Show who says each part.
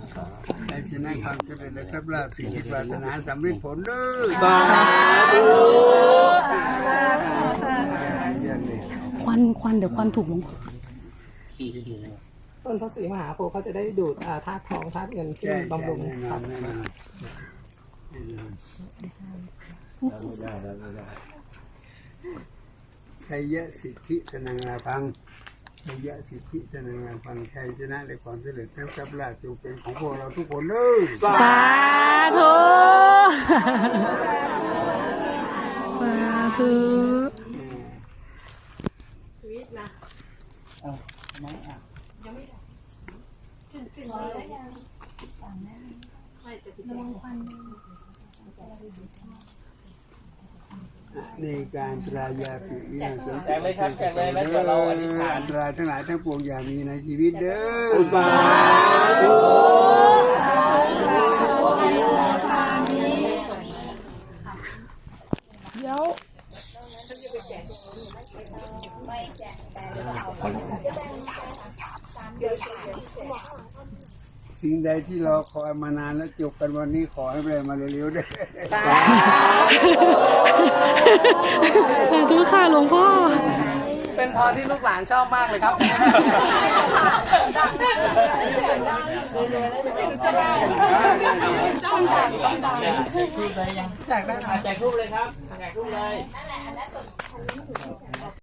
Speaker 1: ในชนะความเจริญและทรัพย์ลาภสิ่งที่ปรารถนาสำเร็จผลด้วย
Speaker 2: สาธุ
Speaker 3: ควันเดี๋ยวควันถูกลง
Speaker 2: ต้นพระศรีมหาโพธิ์เขาจะได้ดูดธาตุทองธาตุเงินขึ้นบำรุงครับ
Speaker 1: ชัยยะสิทธิสนังลาพังชัยยะสิทธิสนังลาพังชัยชนะและความสำเร็จทั้งทรัพย์ลาภจงเป็นของพวกเราทุกคนเลย
Speaker 3: สาธุสาธุ
Speaker 1: ในการตรายาปิวินาศ
Speaker 4: แจกเลยครับแจกเลยแล้วเดี๋ยวเราอธิษฐาน
Speaker 1: อันตรายทั้งหลายทั้งปวงอย่ามีในชีวิตเด้อ
Speaker 2: สาธุ
Speaker 3: เดี๋ยว
Speaker 1: สิ่งใดที่รอคอยมานานแล้วจบกันวันนี้ขอให้ได้มาเร็วๆด้วย
Speaker 3: สาธุค่ะหลวงพ่อ
Speaker 2: เป็นพรที่ลูกหลานชอบมากเลยครับแจกได้
Speaker 4: แจกรูปเลยครับแจกรูปเลย